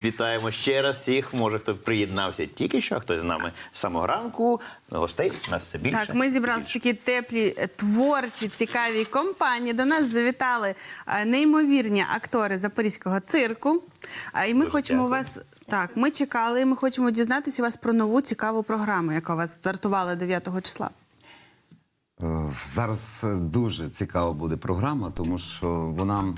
Вітаємо ще раз всіх. Може, хто приєднався тільки що, а хтось з нами з самого ранку. Гостей у нас все більше. Так, ми зібралися в такі теплі, творчі, цікаві компанії. До нас завітали неймовірні актори Запорізького цирку. І ми хочемо вас... Так, ми чекали, і ми хочемо дізнатися у вас про нову цікаву програму, яка у вас стартувала 9 числа. Зараз дуже цікава буде програма, тому що вона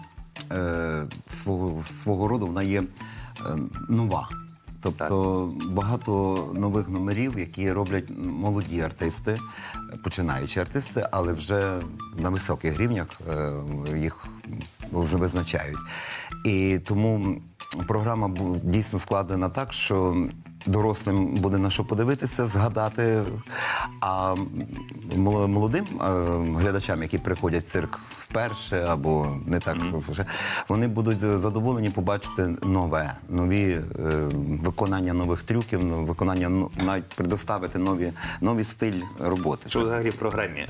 свого роду вона є нова. Тобто багато нових номерів, які роблять молоді артисти, починаючі артисти, але вже на високих рівнях їх визначають. І тому програма дійсно складена так, що дорослим буде на що подивитися, згадати, а молодим глядачам, які приходять в цирк вперше або не так вже, вони будуть задоволені побачити нові виконання нових трюків, виконання, навіть предоставити новий стиль роботи. Що взагалі в програмі?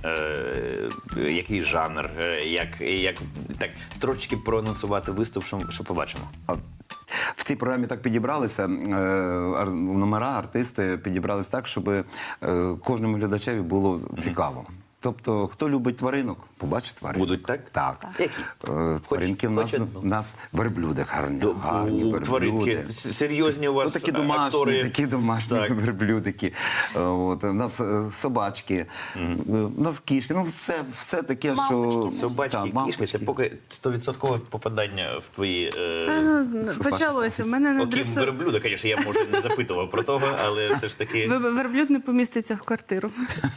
Який жанр? Як так трошечки проанонсувати виступ, що побачимо? В цій програмі так підібралися, номера, артисти підібралися так, щоб кожному глядачеві було цікаво. Тобто, хто любить тваринок, побачить тваринок. Будуть так? Так. Які? Тваринки в нас верблюди гарні верблюди. Тваринки серйозні у вас такі актори. Такі домашні верблюдики. У нас собачки, у нас кішки. Ну, все таке, що... Собачки, кішки, це поки 100% попадання в твої... Почалося. В мене на Окрім верблюда, звісно, я, може, не запитував про того, але все ж таки... Верблюд не поміститься в квартиру.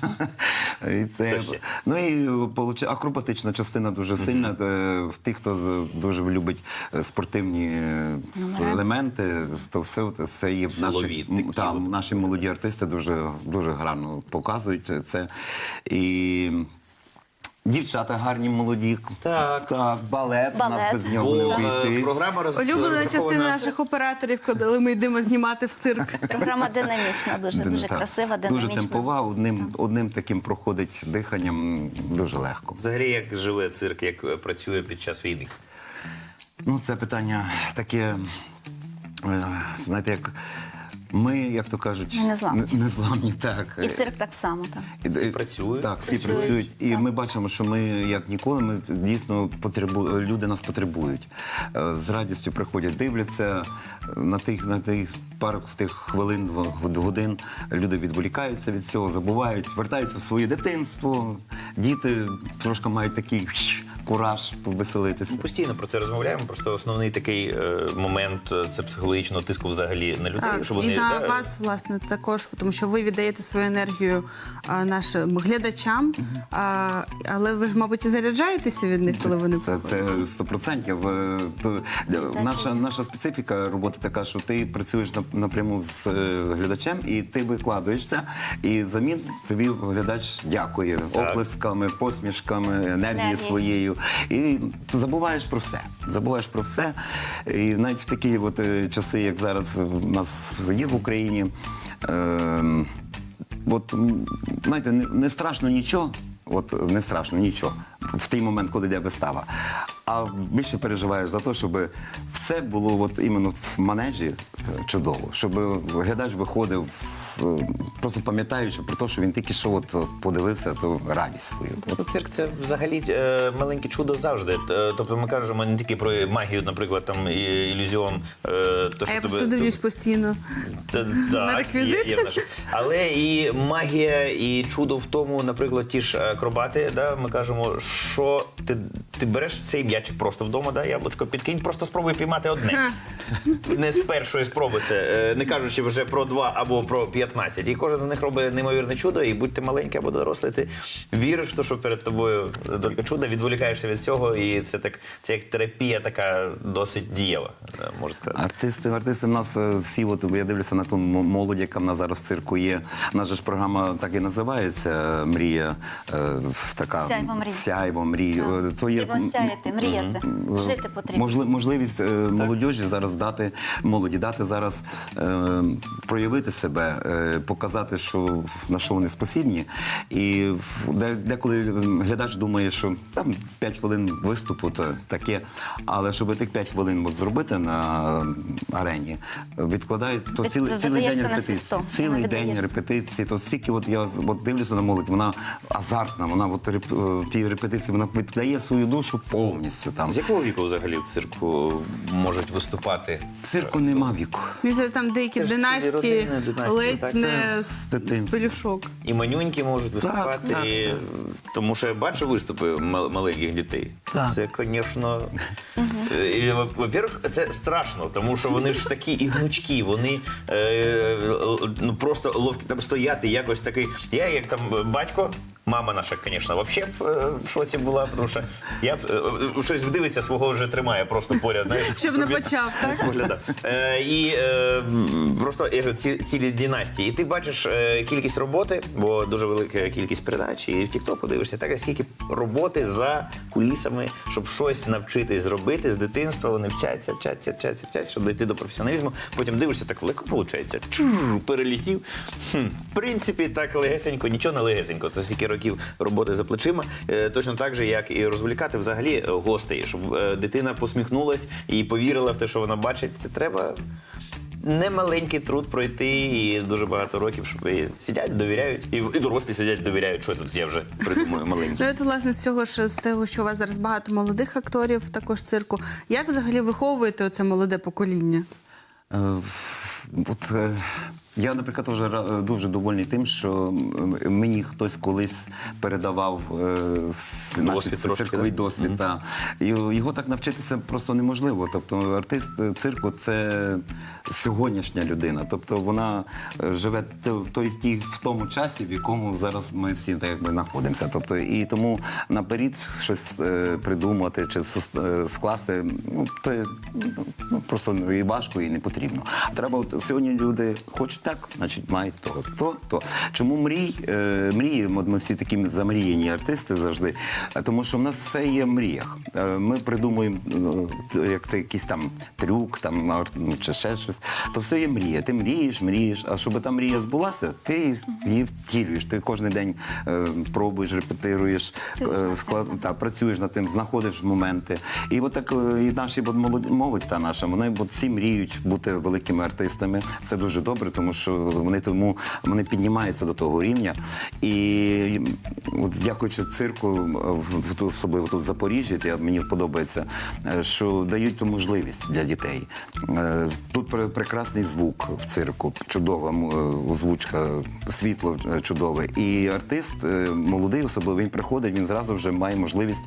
І це, ну і акробатична частина дуже сильна. В тих, хто дуже любить спортивні елементи, то все це є наші молоді артисти дуже гарно показують це. І дівчата гарні, молоді. Так, балет. У нас без нього не обійтись. Улюблена частина наших операторів, коли ми йдемо знімати в цирк. Програма динамічна, дуже красива, динамічна. Дуже темпова, одним таким проходить диханням дуже легко. Взагалі, як живе цирк, як працює під час війни? Ну, це питання таке, знаєте, як... Ми, як то кажуть, незламні, так. І цирк так само, так. Всі працюють. Так, всі працюють. І ми бачимо, що ми, як ніколи, ми дійсно люди нас потребують. З радістю приходять, дивляться на тих пару хвилин, годин. Люди відволікаються від цього, забувають, вертаються в своє дитинство. Діти трошки мають такий кураж повеселитися. Ми постійно про це розмовляємо, просто основний такий момент – це психологічного тиску взагалі на людей. Так, що вони, і на вас, власне, також, тому що ви віддаєте свою енергію нашим глядачам, але ви ж, мабуть, і заряджаєтеся від них, коли вони приходять? Це 100%. Наша специфіка роботи така, що ти працюєш напряму з глядачем, і ти викладаєшся, і взамін тобі глядач дякує оплесками, посмішками, енергією своєю. І забуваєш про все. І навіть в такі часи, як зараз у нас є в Україні, знаєте, не страшно нічого, в той момент, коли йде вистава. А більше переживаєш за те, щоб все було іменно в манежі чудово, щоб глядач виходив, просто пам'ятаючи про те, що він тільки що подивився, то радість свою. Цирк – це взагалі маленьке чудо завжди. Тобто ми кажемо не тільки про магію, наприклад, там ілюзіон. А я просто дивлюсь постійно на реквізит. Але і магія, і чудо в тому, наприклад, ті ж акробати, ми кажемо, що ти береш цей м'ячик просто вдома, яблучко, підкинь, просто спробуй піймати одне. Не з першої спроби це, не кажучи вже про 2 або про 15. І кожен з них робить неймовірне чудо, і будь ти маленький або дорослий, ти віриш в те, що перед тобою тільки чудо, відволікаєшся від цього, і це як терапія така досить дієва, можна сказати. Артисти в нас всі, я дивлюся на ту молодь, яка в нас зараз в цирку є. Наша ж програма так і називається «Мрія», така сяйво мрій. То є Потрібно сяяти, мріяти, жити потрібно. Можливість молодіжі зараз молоді дати зараз проявити себе, показати, на що вони спосібні. І деколи глядач думає, що там 5 хвилин виступу то таке, але щоб тих 5 хвилин зробити на арені, відкладають то цілий день видаєшся на репетицій. всі 100. Цілий день Видаєшся. репетиції, то стільки я дивлюся на молодь, вона азартна, вона в тій репетиції вона віддає свою душу повністю там. З якого віку взагалі в цирку можуть виступати? Цирку нема віку. Мені здається, там деякі Це ж цілі династії родини, династії, ледь так? не Це з дитинства. пелюшок. І манюньки можуть виступати, так, і- тому що я бачу виступи маленьких дітей. Так. Це, звісно, во-первых, це страшно, тому що вони ж такі і гнучкі, вони ну, просто ловкі там стояти, якось такий. Я як там батько, мама наша, звісно, взагалі в шоці була, тому що я щось дивиться, свого вже тримає просто поряд. Знаєш, Щоб не почав, так? Погляда. І просто я ж цілі династії. І ти бачиш кількість роботи, бо дуже велика кількість передач, і в TikTok дивишся, так, скільки роботи за кулісами, щоб щось навчитись зробити з дитинства. Вони вчаться, щоб дійти до професіоналізму. Потім дивишся, так легко виходить. Перелетів. В принципі, так легесенько, нічого не легесенько. Це скільки років роботи за плечима. Точно так же, як і розволікати взагалі гостей, щоб дитина посміхнулась і повірила в те, що вона бачить. Це треба немаленький труд пройти і дуже багато років, щоб сидять, довіряють. І дорослі сидять, довіряють, що тут я вже придумаю маленький. Ну, от, власне, з цього ж, з того, що у вас зараз багато молодих акторів також цирку. Як взагалі виховуєте оце молоде покоління? Я, наприклад, вже дуже довольний тим, що мені хтось колись передавав наш цирковий досвід. та. Його так навчитися просто неможливо. Тобто артист цирку – це сьогоднішня людина. Тобто вона живе в тому часі, в якому зараз ми всі так якби знаходимося. Тобто, і тому наперед щось придумати чи скласти, то просто і важко, і не потрібно. Треба, сьогодні люди хочуть так, значить, мають то. Чому мрії? Ми всі такі замріяні артисти завжди, тому що в нас все є в мріях. Ми придумуємо якийсь там трюк, чи ще щось, то все є мрія. Ти мрієш, а щоб та мрія збулася, ти її втілюєш. Ти кожен день пробуєш, репетируєш, працюєш над тим, знаходиш моменти. І от так і наші молодь та наша, вони всі мріють бути великими артистами. Це дуже добре, тому що вони піднімаються до того рівня. І от, дякуючи цирку, особливо тут в Запоріжжі, мені подобається, що дають ту можливість для дітей. Тут прекрасний звук в цирку, чудова озвучка, світло чудове. І артист, молодий особливо, він приходить, він зразу вже має можливість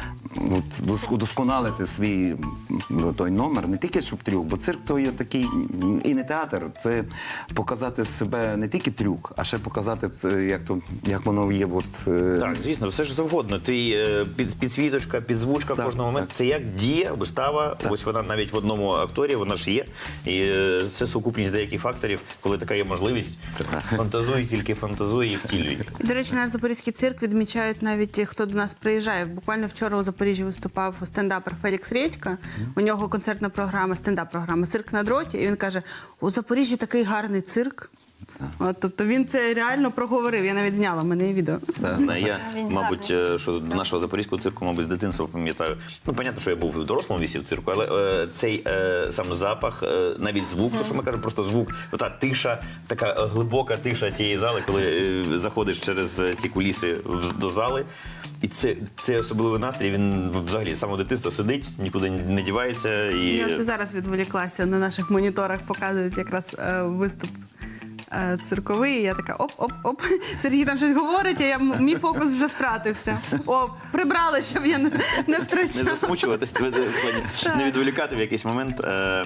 удосконалити свій той номер, не тільки щоб трюк, бо цирк то є такий, і не театр, це показати себе не тільки трюк, а ще показати це, як воно є. Так, звісно, все ж завгодно. Підсвіточка, підзвучка в кожному моменті. Це як діє, вистава. Ось вона навіть в одному акторі, вона ж є. І це сукупність деяких факторів, коли така є можливість. Фантазуй, тільки фантазуй і втілюй. До речі, наш запорізький цирк відмічають навіть ті, хто до нас приїжджає. Буквально вчора у Запоріжжі виступав стендапер Фелікс Редька. У нього концертна програма, стендап-програма «Цирк на дроті». І він каже, у Запоріжжі такий гарний цирк. Тобто він це реально проговорив. Я навіть зняла, в мене є відео. Я, мабуть, що до нашого запорізького цирку, мабуть, з дитинства пам'ятаю. Ну, понятно, що я був в дорослому віці в цирку, але цей сам запах, навіть звук, то, що ми кажемо, просто звук, ота тиша, така глибока тиша цієї зали, коли заходиш через ці куліси до зали. І це особливий настрій, він взагалі з самого дитинства сидить, нікуди не дівається. Я зараз відволіклася, на наших моніторах показують якраз виступ цирковий, і я така оп. Сергій там щось говорить, а мій фокус вже втратився. Прибрали, щоб я не втрачала. Не засмучувати, не відволікати в якийсь момент.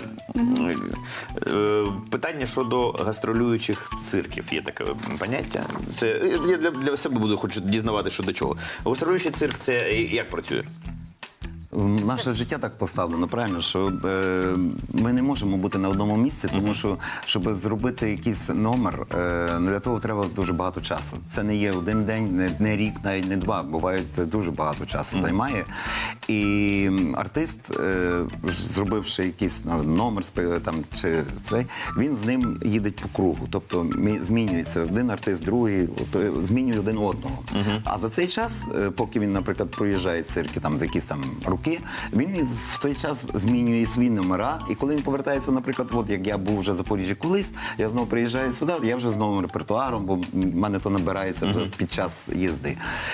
Питання щодо гастролюючих цирків. Є таке поняття. Я для себе хочу дізнавати, що до чого. Гастролюючий цирк – це як працює? Наше життя так поставлено, правильно, що ми не можемо бути на одному місці, тому що, щоб зробити якийсь номер, для того треба дуже багато часу. Це не є один день, не рік, навіть не два. Буває, це дуже багато часу займає. І артист, зробивши якийсь номер там, чи цей, він з ним їде по кругу. Тобто змінюється один артист, другий, змінює один одного. А за цей час, поки він, наприклад, проїжджає цирки там, за якісь там роки, він в той час змінює свої номера. І коли він повертається, наприклад, от як я був вже в Запоріжжі колись, я знову приїжджаю сюди, я вже з новим репертуаром, бо в мене то набирається вже під час їзди.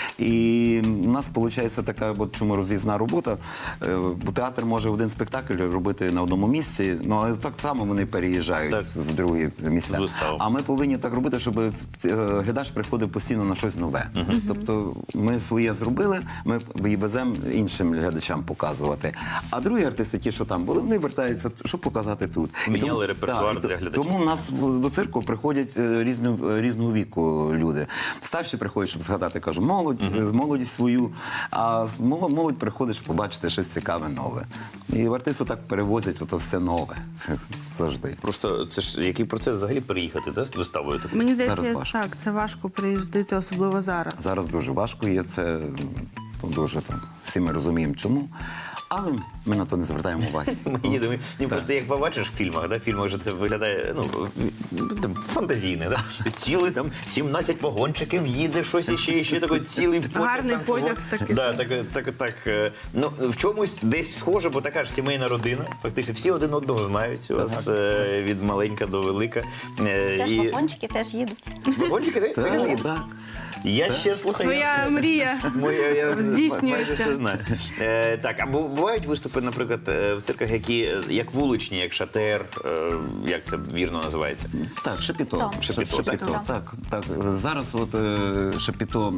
І у нас виходить така, от чому роз'їзна робота. Бо театр може один спектакль робити на одному місці, ну але так само вони переїжджають в другі місця. А ми повинні так робити, щоб глядач приходив постійно на щось нове. Тобто ми своє зробили, ми її веземо іншим глядачам показувати. А другі артисти, ті, що там були, вони вертаються, щоб показати тут. Міняли репертуар для глядачів. Тому у нас до цирку приходять різного віку люди. Старші приходять, щоб згадати, кажу, молодість свою, а молодь приходить, щоб побачити щось цікаве, нове. І артисти так перевозять ото все нове. Завжди. Просто це ж який процес взагалі переїхати, да, з виставою? Мені Зараз здається, важко. так, це важко приїздити, особливо зараз. Зараз дуже важко є це, дуже там, всі ми розуміємо чому. Але ми на то не звертаємо уваги. Ми їдемо. Ні, просто як побачиш в фільмах, в фільмах же це виглядає там, фантазійне. Да? Цілий там 17 вагончиків їде, щось іще такий цілий потяг. Гарний там, потяг такий. Да, так. Ну, в чомусь десь схоже, бо така ж сімейна родина. Фактично всі один одного знають. У вас від маленька до велика. Теж вагончики теж їдуть. Вагончики теж їдуть? Так. Я ще слухаю. Твоя мрія Я здійснюється. майже все знаю. Так, а бувають виступи, наприклад, в цирках, які як вуличні, як шатер, як це вірно називається? Так, Шапіто. Так. Шапіто, так. Зараз от Шапіто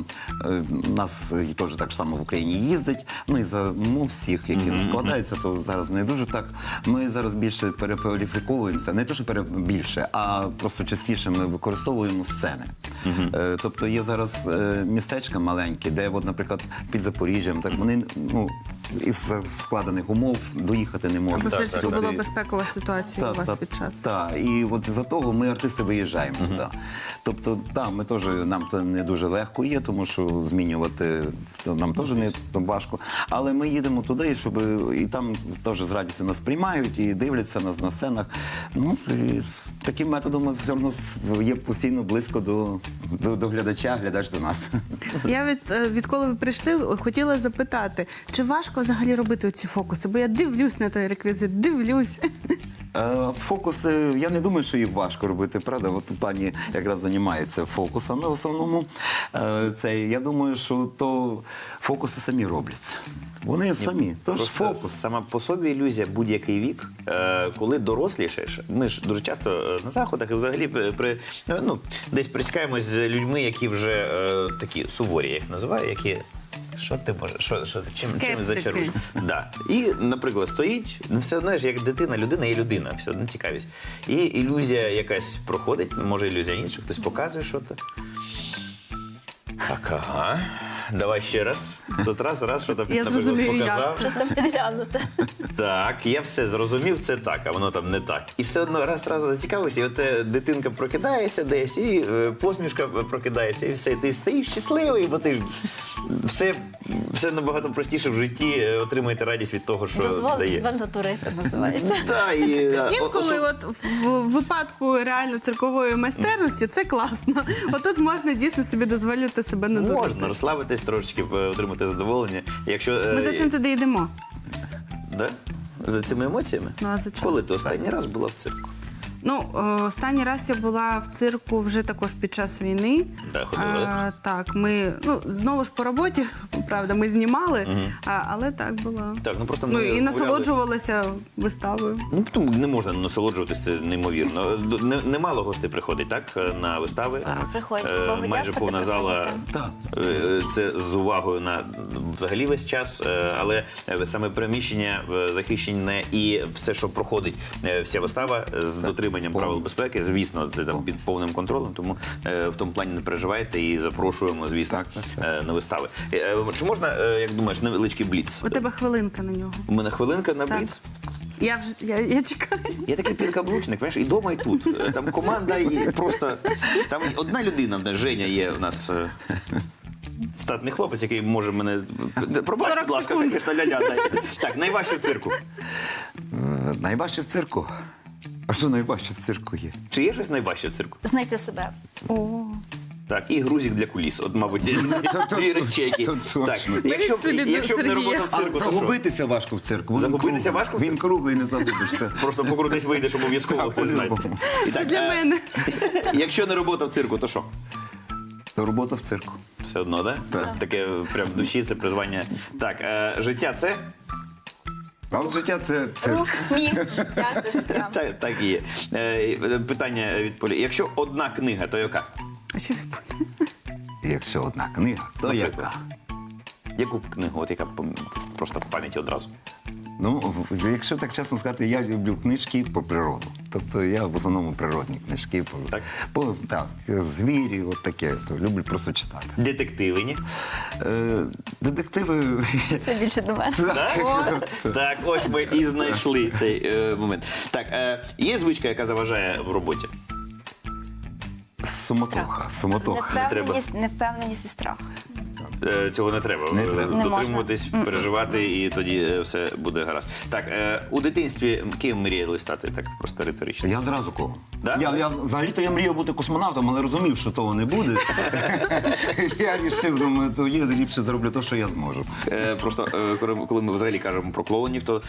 нас теж так само в Україні їздить. Ну і за умов всіх, які складаються, то зараз не дуже так. Ми зараз більше перекваліфіковуємося. Не те, що більше, а просто частіше ми використовуємо сцени. Тобто є зараз містечка маленькі, де, от, наприклад, під Запоріжжям, так вони із складених умов доїхати не можуть. Бо все ж таки Тобто, була безпекова ситуація у вас під час. Так, і от за того ми, артисти, виїжджаємо туди. Тобто, так, нам то не дуже легко є, тому що змінювати нам теж не важко. Але ми їдемо туди, щоб і там теж з радістю нас приймають і дивляться нас на сценах. Ну, і таким методом все одно є постійно близько до глядача, глядач до нас. Я відколи ви прийшли, хотіла запитати, чи важко взагалі робити ці фокуси? Бо я дивлюсь на той реквізит, дивлюсь. Фокуси, я не думаю, що їх важко робити, правда? От пані якраз займається фокусами в основному. Я думаю, що то фокуси самі робляться. Вони самі. Тож Просто фокус. сама по собі ілюзія будь-який вік, коли дорослішаєш. Ми ж дуже часто на заходах і взагалі десь присікаємось з людьми, які вже такі суворі, я їх називаю, які... Що ти можеш? Чим зачаруєш? Да. І, наприклад, стоїть, все одно ж як дитина, людина є людина, все одно цікавість. І ілюзія якась проходить, може ілюзія інша, хтось показує щось. Так, ага. Давай ще раз. Тут раз, що там, Я наприклад, зрозумію, як показав. це. Щось там підглянути. Так, я все зрозумів, це так, а воно там не так. І все одно раз зацікавився, і от дитинка прокидається десь, і посмішка прокидається, і все, і ти стоїш щасливий, бо ти все набагато простіше в житті, отримуєте радість від того, що Дозволити дає. себе натурити, називається. Да, Інколи от в випадку реально циркової майстерності це класно. Отут можна дійсно собі дозволити себе надурити. можна розслабитись трошечки, отримати задоволення. Якщо, Ми за цим туди йдемо. Да? За цими емоціями? Ну, а за чим? Коли ти останній раз була в цирку? Ну, останній раз я була в цирку вже також під час війни. Да, ходила. Так, ми, знову ж по роботі, правда, ми знімали, але так було. Так, просто Ну, ми і гуляли. насолоджувалася виставою. Ну, тому не можна насолоджуватися неймовірно. Немало гостей приходить, так, на вистави. Приходять. Майже повна зала. Так. Це з увагою на взагалі весь час, але саме приміщення захищене і все, що проходить, вся вистава з дотриманням дотриманням правил безпеки. Звісно, це там під повним контролем, тому в тому плані не переживайте і запрошуємо, звісно, на вистави. Чи можна, як думаєш, невеличкий бліц? У тебе хвилинка на нього. У мене хвилинка на Так. бліц? Я чекаю. Я такий підкаблучник, знаєш, і дома, і тут. Там команда, і просто там одна людина, в нас, Женя є у нас. Статний хлопець, який може мене... Пробач, 40 будь ласка, секунд. звісно, ля-ля, дай. Так, найважче в цирку. Найважче в цирку. А що найважче в цирку є? Чи є щось найважче в цирку? Знайти себе. О. Так, і грузик для куліс. От, мабуть, дві речі, які... то точно. Так, якщо б Беріть не Сергія. робота в цирку, то що? Загубитися важко в цирку. Він Загубитися круглий. важко в Він цирку? круглий, не загубишся. Просто покрутись вийдеш обов'язково, Так, хтось знає. по-любому. І так, Для мене. Якщо не робота в цирку, то що? То робота в цирку. Все одно, так? Так. Таке прям в душі, це призвання. Так, життя це? А от життя це цирк. Рух, сміх, життя, це життя. Так і є. Питання від Полі. Якщо одна книга, то яка? А що вспомню? І якщо одна книга, то Наприклад. яка? Яку б книгу, от яка просто в пам'яті одразу? Ну, якщо так чесно сказати, я люблю книжки про природу. Тобто я в основному природні книжки. Так. Так, звірі, от таке. То люблю просто читати. Детективи, ні? Детективи. Це більше до мене. Так? Це- Так, ось ми і знайшли цей момент. Так, є звичка, яка заважає в роботі? Суматоха. Суматоха. Невпевненість і страх. Цього не треба. Не треба. Не Дотримуватись, переживати, і тоді все буде гаразд. Так, у дитинстві ким мріяли стати? Так, просто риторично. Я зразу кого? Да? Я взагалі-то я мріяв бути космонавтом, але розумів, що того не буде. Я вирішив, думаю, то я ліпше зроблю те, що я зможу. Просто коли ми взагалі кажемо про клоунів, то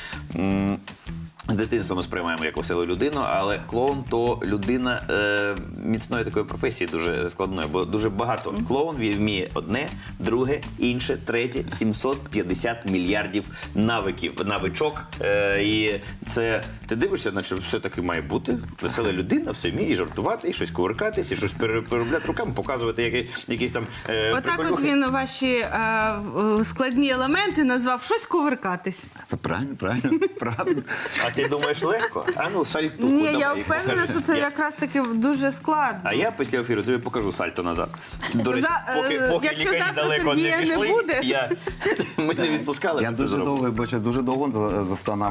з дитинства ми сприймаємо як веселу людину, але клоун то людина міцної такої професії, дуже складної, бо дуже багато. Клоун вміє одне, друге, інше, третє, 750 мільярдів навичок. І це ти дивишся, наче все-таки має бути весела людина, все вміє і жартувати, і щось кувиркатись, і щось переробляти руками, показувати якісь там Отак от приколюхи. він ваші складні елементи назвав щось кувиркатись. Та правильно, правильно. А ти думаєш легко? А ну, сальтуху Ні, давай, я впевнена, покажи. що це Я- якраз таки дуже складно. А я після ефіру тобі покажу сальто назад. До речі, поки якщо лікарі завтра далеко Сергія не не пішли, буде. ми не відпускали. Я ти це дуже зробив. довго, бачу, дуже довго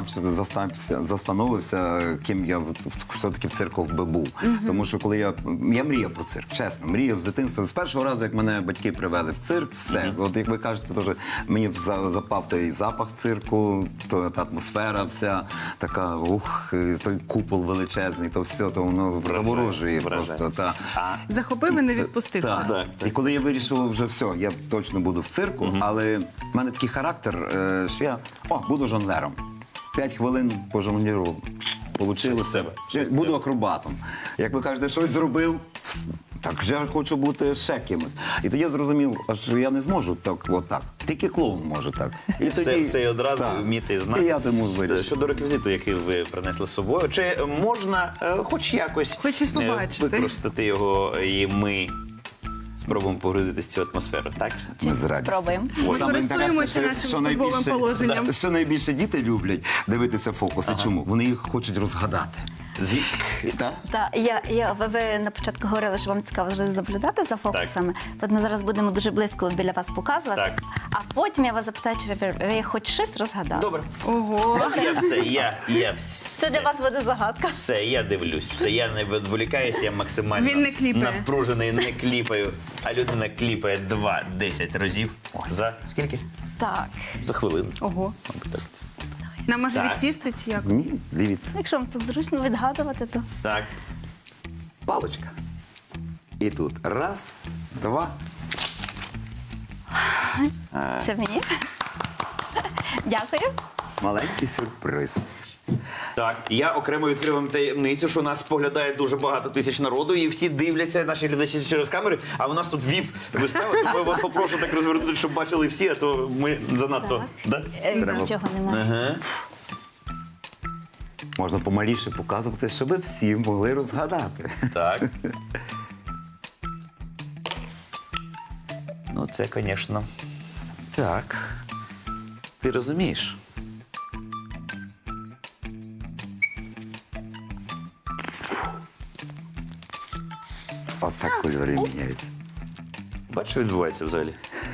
застановився, ким я все-таки в цирку би був. Тому що коли я мріяв про цирк, чесно, мріяв з дитинства. З першого разу, як мене батьки привели в цирк, все. От як ви кажете, теж мені запав той запах цирку, та атмосфера вся така, той купол величезний, то все, то воно заворожує вражає. просто. Та. Захопив і не відпустив. Так. це. Так. І коли я вирішив вже все, я точно буду в цирку, але в мене такий характер, що я буду жонглером. 5 хвилин пожонглірував. Получилося. Щось з себе. Я буду акробатом. Як ви кажете, щось зробив, так вже я хочу бути ще кимось. І тоді я зрозумів, що я не зможу так. Тільки клоун може так. І Це і одразу так. вміти знати. І я тому вирішив. Щодо реквізиту, який ви принесли з собою, чи можна хоч якось Хоч щось побачити. використати його, і ми спробуємо погрузитись в цю атмосферу, так? Ми з радістю. Спробуємо. Ми Саме користуємося інтересне, нашим що службовим найбільше- положенням. Да, що найбільше діти люблять дивитися фокуси. Чому? Вони їх хочуть розгадати. Звідки? Так? Так, ви на початку говорили, що вам цікаво завжди наблюдати за фокусами. От ми зараз будемо дуже близько біля вас показувати. Так. А потім я вас запитаю, чи ви хоч щось розгадали. Добре. Ого. Я все, я Це для вас буде загадка. Все, я дивлюсь, все, я не відволікаюся, я максимально Він не кліпає. напружений, не кліпаю, а людина кліпає 2-10 разів. За скільки? Так. За хвилину. Ого. Мабуть, так. Нам може Так. відсісти чи як? Ні, дивіться. Якщо вам тут зручно відгадувати, то Так. Паличка. І тут раз, два. це мені. Дякую. Маленький сюрприз. Так, я окремо відкрив вам таємницю, що нас споглядає дуже багато тисяч народу, і всі дивляться, наші глядачі через камери, а у нас тут віп-вистава, тому я вас попрошу так розвернути, щоб бачили всі, а то ми занадто. Да? Треба- Нічого немає. Ага. Можна помаліше показувати, щоб всі могли розгадати. Так. Ну, це, звісно. Так. Ти розумієш? Отак кольори міняються. Бачиш, що відбувається взагалі?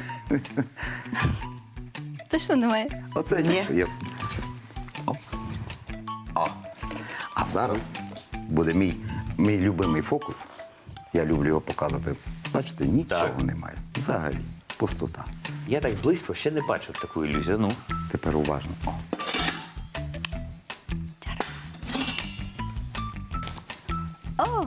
Точно немає? Оце ні. О. О. А зараз буде мій любимий фокус. Я люблю його показувати. Бачите, нічого Так. немає. Взагалі, пустота. Я так близько ще не бачив таку ілюзію. Ну, Тепер уважно. О. О,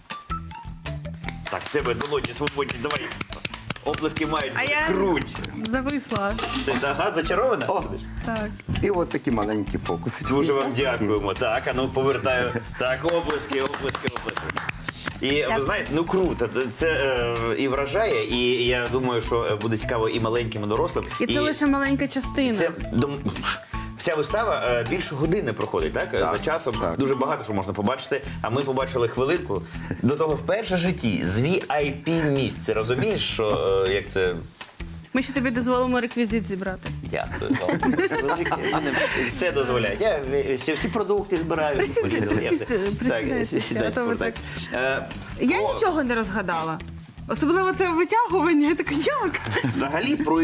так, в тебе долоні свободні, давай. Оплески мають А я круть. зависла. Це ага, зачарована? О. Так. І от такі маленькі фокуси. Дуже вам дякуємо. Так, а ну повертаю. Так, оплески. І ви знаєте, ну круто. Це і вражає, і я думаю, що буде цікаво і маленьким, і дорослим. І це лише маленька частина. Це вся вистава більше години проходить, так? За часом так. дуже багато що можна побачити. А ми побачили хвилинку. До того вперше в житті з VIP місце. Розумієш, що як це. Ми ще тобі дозволимо реквізит зібрати. Дякую. Велике. Все дозволяє. Я всі продукти збираю. Присідайте, а то ви так. Я нічого не розгадала. Особливо це витягування. Я така, як? Взагалі про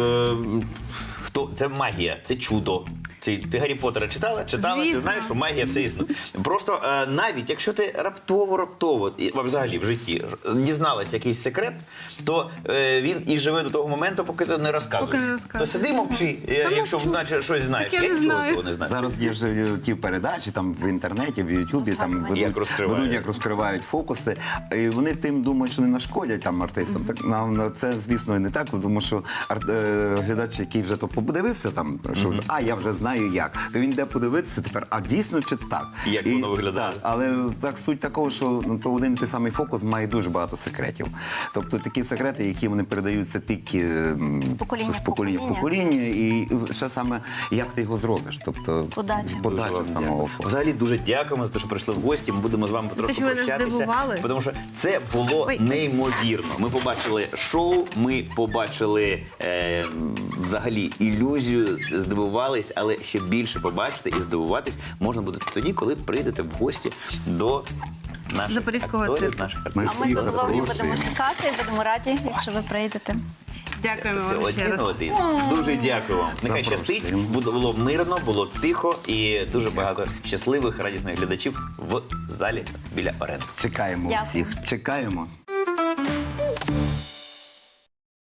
хто це магія, це чудо. Ти Гаррі Поттера читала? Читала, ти Звісно. знаєш, що магія все існує. Просто навіть якщо ти раптово, взагалі в житті дізналась якийсь секрет, то він і живе до того моменту, поки ти не розказуєш. Поки не розказуєш. То сиди мовчи, якщо мовчу. наче щось знаєш. Так я не нічого знаю. з того не знаю. Зараз є ж ті передачі там в інтернеті, в Ютубі, там Як розкривають. як розкривають фокуси. І вони тим думають, що не нашкодять там артистам. Так це, звісно, не так, тому що глядач, який вже то подивився, там що я вже знаю як. То він йде подивитися тепер, а дійсно чи так? Як воно виглядає. Так, але так суть такого, що то один і той самий фокус має дуже багато секретів. Тобто такі секрети, які вони передаються тільки покоління з в покоління в покоління, і ще саме як ти його зробиш. Тобто Подача. подача Дуже вам самого дякую. фокусу. Взагалі дуже дякуємо за те, що прийшли в гості. Ми будемо з вами потроху що ви нас прощатися. здивували. Тому що це було Ой. неймовірно. Ми побачили шоу, ми побачили взагалі ілюзію, здивувались, але ще більше побачити і здивуватись можна буде тоді, коли прийдете в гості до наших Запорізького акторів, цирку. наших Ми артистів. а ми всіх з вами будемо запрошуємо. чекати і будемо раді, якщо ви прийдете. Дякуємо Це вам ще один раз. один. Дуже дякую вам. Нехай щастить, Запрошуємо. було мирно, було тихо і дуже багато щасливих, радісних глядачів в залі біля Оренди. Чекаємо Дякую. всіх. Чекаємо.